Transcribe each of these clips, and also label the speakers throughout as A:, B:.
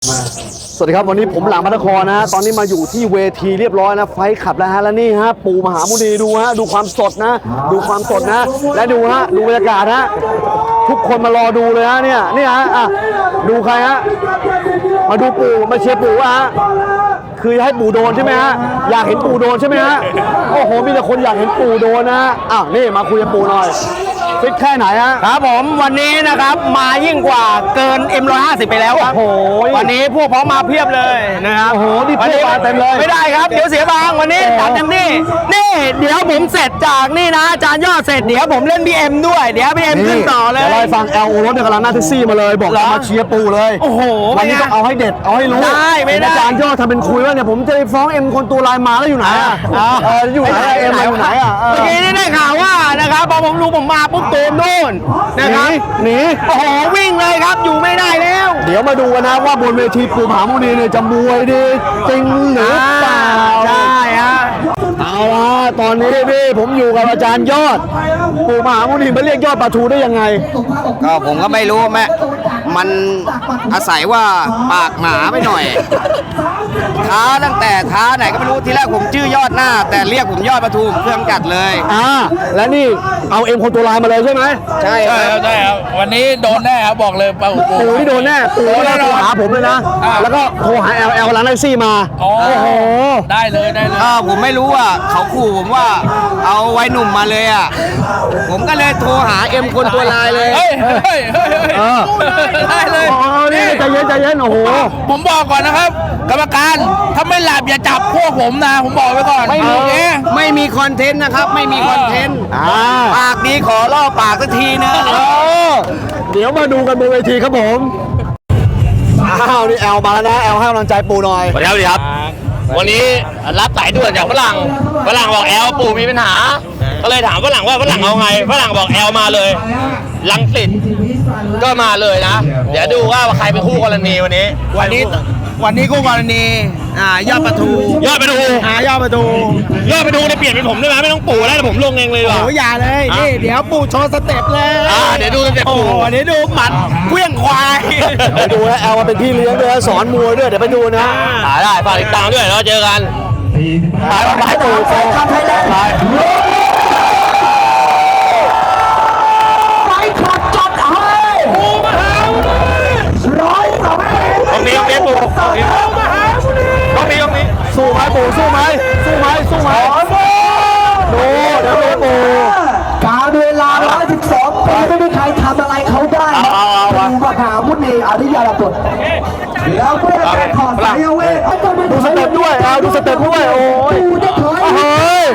A: สวัสดีครับวันนี้ผมหลังพระนครนะฮะตอนนี้มาอยู่ที่เวทีเรียบร้อยนะไฟขับแล้วฮะแล้วนี่ฮะปู่มหามุนีดูฮะดูความสดนะดูความสดนะและดูฮะดูบรรยากาศฮะทุกคนมารอดูเลยฮะเนี่ยฮะอ่ะดูใครฮะมาดูปู่มาเชียร์ปู่ฮะคือให้ปู่โดนใช่ไหมฮะอยากเห็นปู่โดนใช่ไหมฮะโอ้โหมีแต่คนอยากเห็นปู่โดนนะฮะอ้าวนี่มาคุยกับปู่หน่อยฟิตแค่ไหนฮะ
B: ครับผมวันนี้นะครับมายิ่งกว่าเกิน M150 ไปแล้วครับ
A: โอ้โห
B: วันนี้พวกพ้องมาเพียบเลยนะครับ
A: โอ้โหนี่พวกมาเต็มเลย
B: ไม่ได้ครับเดี๋ยวเสียบางวันนี้จัดเต็มที่นี่เดี๋ยวผมเสร็จจากนี่นะอาจารย์ยอดเสร็จเดี๋ยวผมเล่น BM ด้วยเดี๋ยว BM ขึ้นต่อเลย
A: ดี๋วเราไปฟังLO รถเนี่ยกำลังหน้าแท็กซี่มาเลยบอกมาเชียร์ปู่เลย
B: โอ้โห
A: วันนี้ต้องเอาให้เด็ดเอาให้รู้
B: ได้ไม่ได้
A: อาจารย์ยอดทำเป็นคุยว่าเนี่ยผมจะไปฟ้องเอ็มคนตัวลายมาแล้วอยู่ไหนอ่ะอยู่ไหนเอ็มอยู่ไหนอ่ะ
B: เมื่อกี้นี่ได้ข่าวว่านะครับพอผมรู้ผมมาปุ๊บตูมนู่นนะครับ
A: หนี
B: โอ้โหวิ่งเลยครับอยู่ไม่ได้แล้ว
A: เดี๋ยวมาดูกันนะว่าบนเวทีปู่มหามุนีเนี่ยจะมวยดีจริงหรือเปล่า
B: ใช่ฮะ
A: เอาละตอนนี้พี่ผมอยู่กับอาจารย์ยอดปู่มหามุนีมาเรียกยอดปลาทูได้ยังไง
C: ก็ผมก็ไม่รู้แม่มันอาศัยว่าปากหมาไปหน่อยท้าตั้งแต่ท้าไหนก็ไม่รู้ทีแรกผมชื่อยอดหน้า แต่เรียกผมยอดปทุมเครื่องจัดเลย
A: และนี่เอาเอ็มคนตัวลายมาเลยใช่ไหม
C: ใช่
D: ใช่ครับใช่ครับวันนี้โดนแน่ครับบอกเลยปลาหูปู
A: ปู่นี่โดนแน่ปู่ก็โทรหาผมเลยนะ แล้วก็โทรหาLL ร้านแท็กซี่มา
D: โอ้
A: โอ้โห
D: ได้เลยได้เลย
C: ผมไม่รู้ว่าเขาขู่ผมว่าเอาไว้หนุ่มมาเลยอ่ะผมก็เลยโทรหาเอ็มคนตัวลายเลย
D: เฮ้ยเฮ้ยเฮ้ยเฮ้ย
A: ได้เลยนี่ใจเย็นโอ้โห
D: ผมบอกก่อนนะครับ กรรมการถ้าไม่หลับอย่าจับพวกผมนะผมบอกไว้ก่อน
C: ไม่มี
D: เอ๊ะ
C: ไม่มีคอนเทนต์นะครับ ไม่มีคอนเทนต์ปากดีขอล่อปากสักทีนึง
A: เดี๋ยวมาดูกันบนเวทีครับผมอ้าวนี่แอลมาแล้วนะแอลให้กำลังใจปู่หน่อย
E: สวัสดีครับวันนี้รับสายด่วนจากฝรั่งบอกแอลปู่มีปัญหา ก็เลยถามฝรั่งว่าฝรั่งเอาไงฝรั่งบอกแอลมาเลยลังสิตก็มาเลยนะ เดี๋ยวดูว่าใครเป็นคู่กรณีวันนี้
B: วันนี้คู่กรณียอดประตู
E: ยอดไปดู
B: ยอดประตู
E: ยอดไปดูเนี่ยเปลี่ยนเป็นผมได้ไหมไม่ต้องปู่แล้วแต่ผมลงเองเลยดีกว่า
B: โอ้อย่าเลยนี่เดี๋ยวปู่โชว์สเต็ปเลย
E: เดี๋ยวดูสเต็ป
B: โอ้
E: ปู่
B: โหเดี๋ยวดูหมัดเกลี้ยงควาย
A: ไปดูนะแอลมาเป็นพี่เลี้ยงด้วยสอนมวยด้วยเดี๋ยวไปดูนะ
E: ได้ฝากติดตามด้วยแล้วเจอกัน
A: ไปปู่ไป
E: ตรงนี้ปู่ตรงนี้
A: สู้ไหมปู่สู้ไหมดูเดี๋ยวดูปู่
F: การเวลา112 ปีไม่มีใครทำอะไรเขาได้ปู่มหามุนีอริยบุตรแล้วเมื่อการถอดสายเวท
A: ดูสเต็ปด้วยแอลดูสเต็ปด้วยโอ้ย
F: ปู่จะถอย
A: เฮ้ย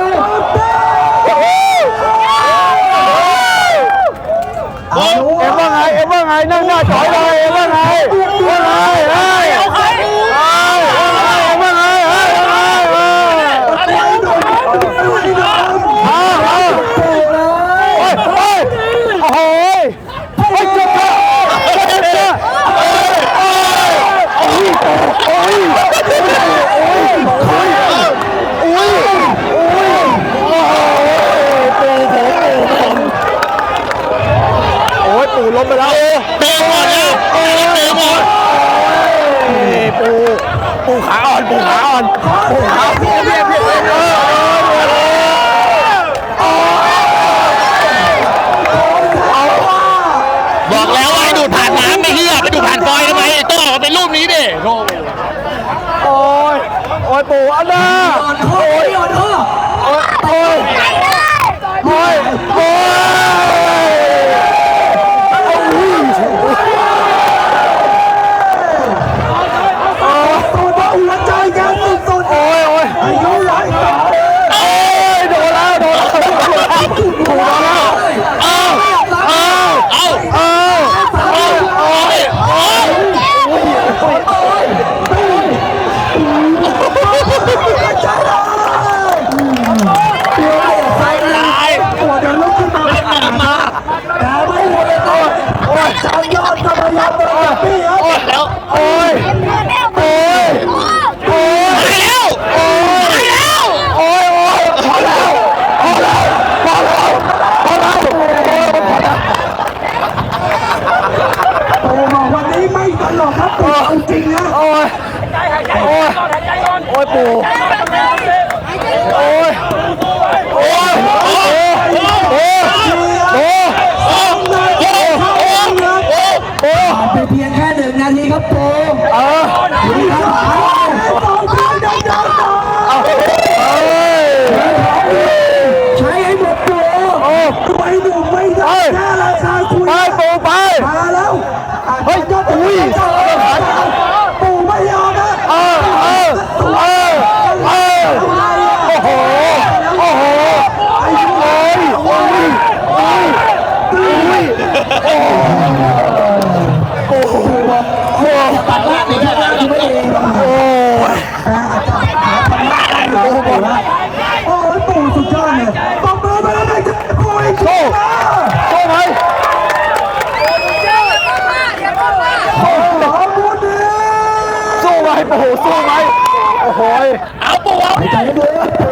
A: เอ็มว่าไงนั่งหน้าจอยเลยเอ็มว่าไงเฮ้ยเอาใครเอ็มว่าไงโอ้โหจบปู่ล้มไปแล้ว
E: เตะหมดแล้วเตะหมด
A: ปู่ขาอ่อน
E: บอกแล้วว่าให้ดูดผ่านน้ำไม่เหี้ยไปดูดผ่านฟอยล์ทำไมต้องออกมาเป็นรูปนี้ดิโธ่
A: โอ้ยปู่อันน่าโอ้ย
F: หัวใจยังสุดๆอายุหลายปี
A: โดนแล้ว
F: ริงๆนะ
A: โอ้ยโอ้ยโอ้ยปู่โอ้ยโอ้ยโอ้ยโอ้ยโอ้ยโอ้ย
F: ผ่านไปเพียงแค่1 นาทีครับปูดีครับใช้ให้หมดปูไม่หนุ่มไม่ได้แค่ราคาคุย
A: ไปปู่ไป
F: มาแล้ว
A: เฮ้ยอุ้ย
F: ปูไม่ยอมนะ
A: โอ้โหโอ้โหโอ้ยโอ้ยโอ้ยโอ้โห
F: ตัดล่างนี้ได้ที่ไม่เองโอ้ยโอ้ยปูสุดยอดเลยตบมือไปแล้วเลยจะปูอีก
A: โซ่โซ่ไหม
F: โอ้โหมุดดิ
A: สู้ไหมปู่สู้ไหมโอ้โห
E: เอาปูเอา
F: ใจด้วย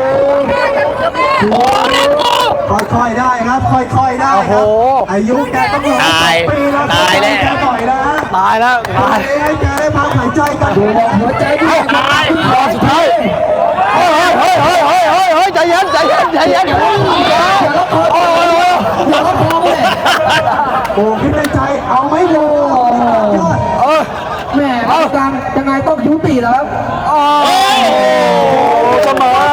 F: ค่อยๆได้ครับค่อยๆได้ครับอายุแกต้องรอปีแล้วตายแล้วต่อยนะ
A: ตายแล้วตาย
F: ให้แกได้พักหายใจกันดูหัวใจดี
A: รอบสุดท้ายเฮ้ยใจเย็นโอ้ย
F: อย่าก็พอเลยโอ้คิดในใจเอาไม่โดนแม่เอาการยังไงต้องยุติแล้วครับ
A: เสมอ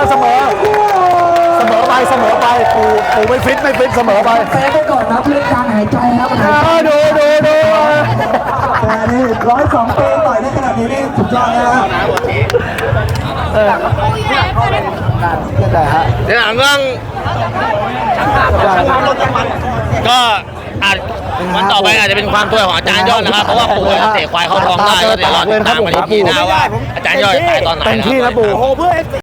A: ไปปู่ไม่ฟิตเสมอไป
F: แพ้ไปก่อนนะเรื่องการหายใจครับ
A: ดู
F: แต่นี่102 ปีต่อยได้ขนาดนี้นี่สุดยอดนะครับ
E: เดี๋ยวหลังก็อาจวันต่อไปอาจจะเป็นความช่วยของอาจารย์ยอดนะครับเพราะว่าปู่เตะควายเข้าท้องได้ก็เดี๋ยวรอติดตามกันอีกทีนะว่าอาจารย์ยอดตายตอนไหน
A: เต็มที่นะปู่